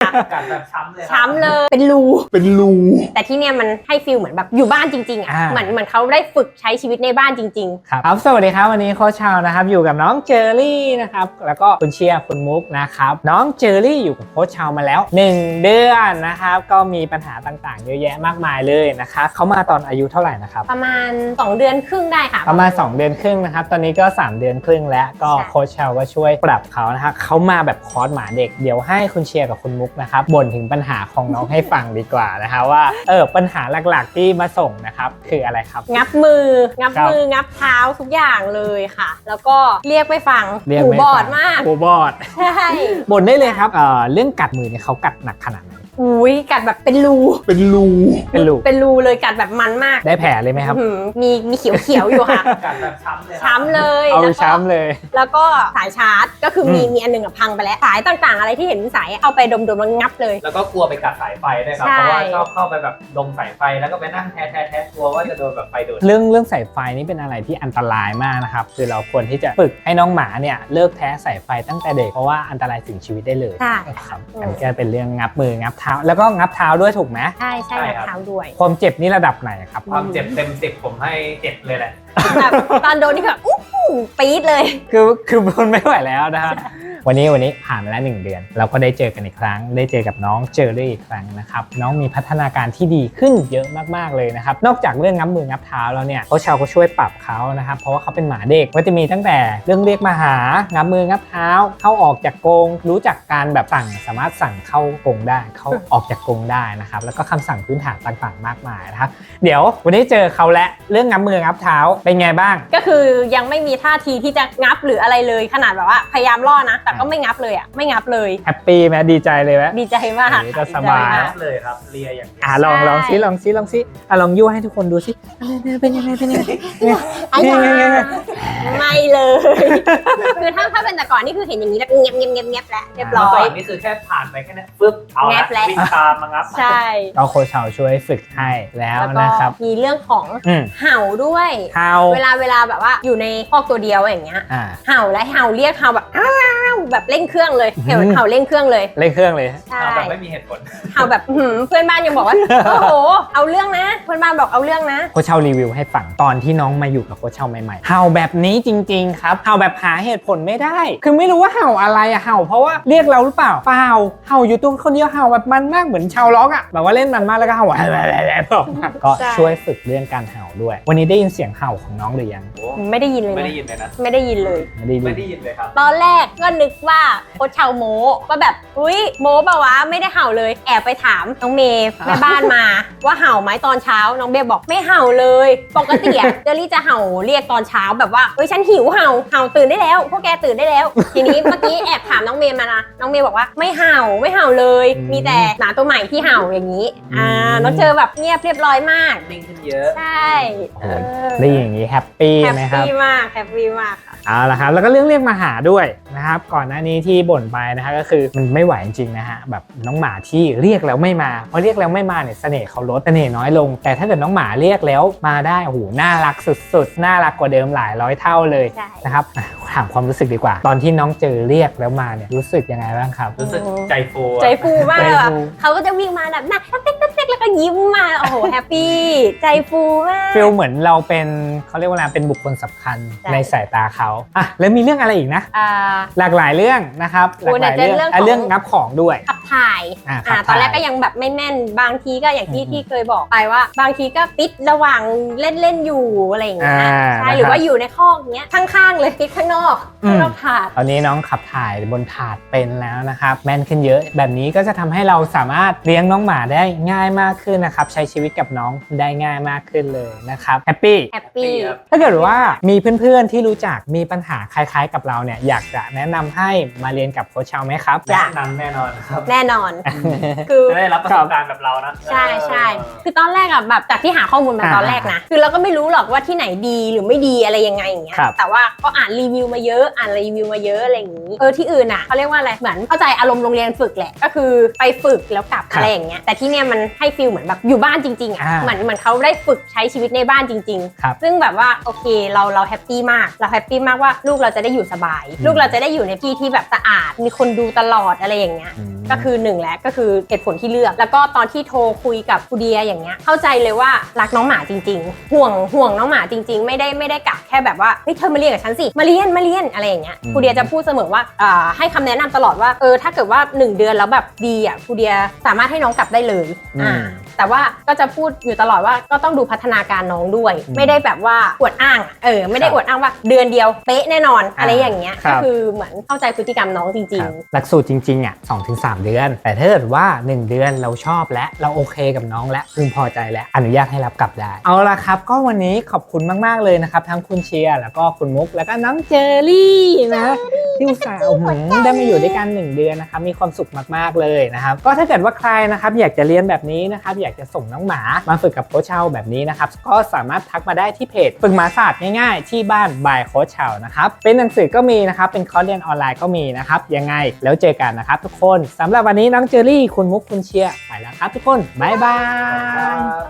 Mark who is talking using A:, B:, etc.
A: กัดแบบช้ำเลย
B: ช้ำเลยเป็นรู แต่ที่เนี่ยมันให้ฟีลเหมือนแบบอยู่บ้านจริงๆอ่ะเหมือนเขาได้ฝึกใช้ชีวิตในบ้านจริงๆ
C: ครับสวัสดีครับวันนี้โค้ชชาวนะครับอยู่กับน้องเจอรี่นะครับแล้วก็คุณเชียร์คุณมุกนะครับน้องเจอรี่อยู่กับโค้ชชาวมาแล้ว1 เดือนนะครับก็มีปัญหาต่างๆเยอะแยะมากมายเลยนะครับเขามาตอนอายุเท่าไหร่นะครับ
B: ประมาณ2 เดือนครึ่งได้ค่ะ
C: ประมาณ2 เดือนครึ่งนะครับตอนนี้ก็3 เดือนครึ่งแล้วก็โค้ชชาวก็ช่วยปรับเขานะครับเขามาแบบคอร์สหมาเด็กเดี๋ยวให้คุณเชียร์กับคุณมุกนะครับบ่นถึงปัญหาของน้องให้ฟังดีกว่านะคะว่าปัญหาหลักๆที่มาส่งนะครับคืออะไรครับ
B: งับมืองับเท้าทุกอย่างเลยค่ะแล้วก็เรียกไม่ฟังหูบอดมาก
C: หูบอด
B: ใช่
C: บ่นได้เลยครับเรื่องกัดมือเนี่ยเขากัดหนักขนาดไหน
B: อุ้ยกัดแบบเป็นรูเลยกัดแบบมันมาก
C: ได้แผลเลยไหมครับ
B: มีเขียวอยู่ค่ะ
A: กัดแบบช้ำเลย
B: ช้ำเลย
C: เอาช้ำเลย
B: แล้วก็สายชาร์จก็คือมีอันนึงพังไปแล้วสายต่างๆอะไรที่เห็นสายเอาไปดมแล้วงับเลย
A: แล้วก็กลัวไปกัดสายไฟด้วยครับเพราะว่าชอบเข้าไปแบบดมสายไฟแล้วก็ไปนั่งแทะกลัวว่าจะโดนแบบไฟดูด
C: เรื่องสายไฟนี่เป็นอะไรที่อันตรายมากนะครับคือเราควรที่จะฝึกให้น้องหมาเนี่ยเลิกแทะสายไฟตั้งแต่เด็กเพราะว่าอันตรายถึงชีวิตได้เลย
B: ใช่
C: ครับอันก็เป็นเรื่องงับมืองับเท้าแล้วก็งับเท้าด้วยถูกไหม
B: ใช่งับเท้าด้วย
C: ความเจ็บนี่ระดับไหนครับ
A: ความเจ็บเต็ม10ผมให้7เลยแหละ
B: แบบตอนโดนนี่แบบปี๊ดเลย
C: คือทนไม่ไหวแล้วนะฮะวันนี้ผ่านมาแล้ว1 เดือนเราก็ได้เจอกันอีกครั้งได้เจอกับน้องเจอรี่อีกครั้งนะครับน้องมีพัฒนาการที่ดีขึ้นเยอะมากๆเลยนะครับนอกจากเรื่องงับมืองับเท้าแล้วเนี่ยโค้ชชาวก็ช่วยปรับเขานะครับเพราะว่าเขาเป็นหมาเด็กก็จะมีตั้งแต่เรื่องเรียกมาหางับมืองับเท้าเข้าออกจากกรงรู้จักการแบบสามารถสั่งเข้ากรงได้เข้าออกจากกรงได้นะครับแล้วก็คำสั่งพื้นฐานต่างๆมากมายนะครับเดี๋ยววันนี้เจอเขาและเรื่องงับมืองับเท้าเป็นไงบ้าง
B: ก็คือยังไม่มีท่าทีที่จะงับหรืออะไรเลยขนาดแบบว่าพยายามล่อนะแต่ก็ไม่งับเลยไม่งับเลย
C: แฮปปี้ไหมดีใจเลยไหม
B: ดีใจมาก
C: จะสบาย
A: เลยครับเลียอย่าง
C: ลองซิลองยั่วให้ทุกคนดูสิเป็นยังไง
B: ไม่เลยคือถ้าเป็นแต่ก่อนนี่คือเห็นอย่างนี้แล้วเงียบแล้วเรียบร้อย
A: นี่คือแค่ผ่านไปแค่นี้ปึ๊บเอาละวิ่งตามมางับ
B: ใช่
C: เราโค้ชชาวช่วยฝึกให้แล้วนะครับ
B: มีเรื่องของเห่าด้วยเวลาแบบว่าอยู่ในคอกตัวเดียวอย่างเงี้ยเห่าและเห่าเรียกเห่าแบบแบบเร่งเครื่องเลยเห่าเร่งเครื่องเลย
A: ใช่แบบไม่มีเหตุผล
B: เห่าแบบเพื่อนบ้านยังบอกว่าโอ้โหเอาเรื่องนะเพื่อนบ้านบอกเอาเรื่องนะ
C: โค้ชชาวรีวิวให้ฟังตอนที่น้องมาอยู่กับโค้ชชาวใหม่ๆเห่าแบบนี้จริงๆครับเห่าแบบหาเหตุผลไม่ได้คือไม่รู้ว่าเห่าอะไรเห่าเพราะว่าเรียกเราหรือเปล่าเปล่าเห่าอยู่ตัวคนเดียวเห่าแบบมันมากเหมือนชาวล็อกอ่ะแบบว่าเล่นมันมากแล้วก็เห่าอะไรก็ช่วยฝึกเรื่องการเห่าด้วยวันนี้ได้ยินเสียงเห่าของน้องหรือยัง
B: ไม่ได้ยินเลย
A: ไม่ได้ยินเลยนะ
B: ไม่ได้ยินเลย
A: ครับ
B: ตอนแรกก็นึกว่าโค้ชชาวโม้ว่าแบบอุ้ยโม้ป่าวะไม่ได้เห่าเลยแอบไปถามน้องเมย์แม่บ้านมาว่าเห่าไหมตอนเช้าน้องเบย์บอกไม่เห่าเลยปกติเจอรี่จะเห่าเรียกตอนเช้าแบบว่าเฮ้ยฉันหิวเห่าตื่นได้แล้วพวกแกตื่นได้แล้วทีนี้เมื่อกี้แอบถามน้องเมย์มานะน้องเมย์บอกว่าไม่เห่าเลยมีแต่หมาตัวใหม่ที่เห่าอย่างนี้น้องเจอแบบเงียบเรียบร้อยมาก
A: นิ่งขึ้นเยอะ
B: ใช่
C: ได้อย่างนี้แฮปปี้ไหมครับ
B: แฮปปี้มากค่ะ
C: เอาละครับแล้วก็เรื่องเรียกมาหาด้วยนะครับก่อนหน้านี้ที่บ่นไปนะฮะก็คือมันไม่ไหวจริงๆนะฮะแบบน้องหมาที่เรียกแล้วไม่มาพอเรียกแล้วไม่มาเนี่ยเสน่ห์เขาลดเสน่ห์น้อยลงแต่ถ้าเกิดน้องหมาเรียกแล้วมาได้โอ้โหน่ารักสุดๆน่ารักกว่าเดิมหลายร้อยเท่าเลยนะครับถามความรู้สึกดีกว่าตอนที่น้องเจอเรียกแล้วมาเนี่ยรู้สึกยังไงบ้างครับ
A: รู้สึกใจ
B: ฟูมากเลยเขาก็จะวิ่งมาแบบน่าเล็กแล้วก็ยิ้มมาโอ้โหแฮปปี้ใจฟูมาก
C: ฟีลเหมือนเราเป็นเขาเรียกว่าอะไรเป็นบุคคลสำคัญในสายตาเขาแล้วมีเรื่องอะไรอีกนะหลากหลายเรื่องนะครับหลากหลายเรื่องงับของด้วย
B: ขับถ่ายตอนแรกก็ยังแบบไม่แม่นบางทีก็อย่างที่เคยบอกไปว่าบางทีก็ติดระหว่างเล่นอยู่อะไรอย่างเงี้ยใช่หรือว่าอยู่ในคอกเงี้ยข้างๆเลยติดข้างนอกถาด
C: ตอนนี้น้องขับถ่ายบนถาดเป็นแล้วนะครับแม่นขึ้นเยอะแบบนี้ก็จะทำให้เราสามารถเลี้ยงน้องหมาได้ง่ายมากขึ้นนะครับใช้ชีวิตกับน้องได้ง่ายมากขึ้นเลยนะครับแฮปปี้ถ้าเกิดว่ามีเพื่อนๆที่รู้จักมีปัญหาคล้ายๆกับเราเนี่ยอยากจะแนะนำให้มาเรียนกับโค้ชชาวไหมครับ
A: แนะนำแน่นอนครับ
B: แน่นอน
A: คือได้รับประสบการณ์แบบเรานะ
B: ใช่คือตอนแรกอะแบบจากที่หาข้อมูลมาตอนแรกนะคือเราก็ไม่รู้หรอกว่าที่ไหนดีหรือไม่ดีอะไรยังไงอย่างเงี้ยแต่ว่าก็อ่านรีวิวมาเยอะอะไรอย่างงี้ที่อื่นอะเขาเรียกว่าอะไรเหมือนเข้าใจอารมณ์โรงเรียนฝึกแหละก็คือไปฝึกแล้วกลับอะไรอย่างเงี้ยแต่ที่เนี่ยมันให้ฟีลเหมือนแบบอยู่บ้านจริงๆอะเหมือนเขาได้ฝึกใช้ชีวิตตในบ้านจริง
C: ครับ
B: ๆซึ่งแบบว่าโอเคเราแฮปปี้มากเราแฮปปี้มากว่าลูกเราจะได้อยู่สบาย ลูกเราจะได้อยู่ในที่ที่แบบสะอาดมีคนดูตลอดอะไรอย่างเงี้ย ก็คือหนึ่งแหละก็คือเหตุผลที่เลือกแล้วก็ตอนที่โทรคุยกับครูเดียอย่างเงี้ยเข้าใจเลยว่ารักน้องหมาจริงๆห่วงน้องหมาจริงๆไม่ได้กะแค่แบบว่าเฮ้ยเธอมาเรียนกับฉันสิมาเรียนอะไรอย่างเงี้ยครูเดียจะพูดเสมอว่าให้คำแนะนำตลอดว่าถ้าเกิดว่า1เดือนแล้วแบบดีอ่ะครูเดียสามารถให้น้องกลับได้เลยแต่ว่าก็จะพูดอยู่ตลอดว่าก็ต้องดูพัฒนาการน้องด้วยไม่ได้แบบว่าอวดอ้างไม่ได้อวดอ้างว่าเดือนเดียวเป๊ะแน่นอนอะไรอย่างเงี้ยก็คือเหมือนเข้าใจพฤติกรรมน้องจริงๆ
C: หลักสูตรจริงๆอ่ะ2-3 เดือนแต่ถ้าเกิดว่า1เดือนเราชอบและเราโอเคกับน้องและพึงพอใจและอนุญาตให้รับกลับได้เอาละครับก็วันนี้ขอบคุณมากๆเลยนะครับทั้งคุณเชียร์แล้วก็คุณมุกแล้วก็น้องเจอรี่นะที่อุตส่าห์ได้มาอยู่ด้วยกัน1เดือนนะครับมีความสุขมากๆเลยนะครับก็ถ้าเกิดว่าใครนะครับอยากจะเรียนแบบนี้นะครับอยากจะส่งน้องหมามาฝึกกับโค้ชเชาแบบนี้นะครับก็สามารถทักมาได้ที่เพจฝึกหมาศาสตร์ง่ายๆที่บ้านบายโค้ชเชานะครับเป็นหนังสือก็มีนะครับเป็นคอร์สเรียนออนไลน์ก็มีนะครับยังไงแล้วเจอกันนะครับทุกคนสำหรับวันนี้น้องเจอรี่คุณมุกคุณเชียร์ไปแล้วครับทุกคนบ๊ายบาย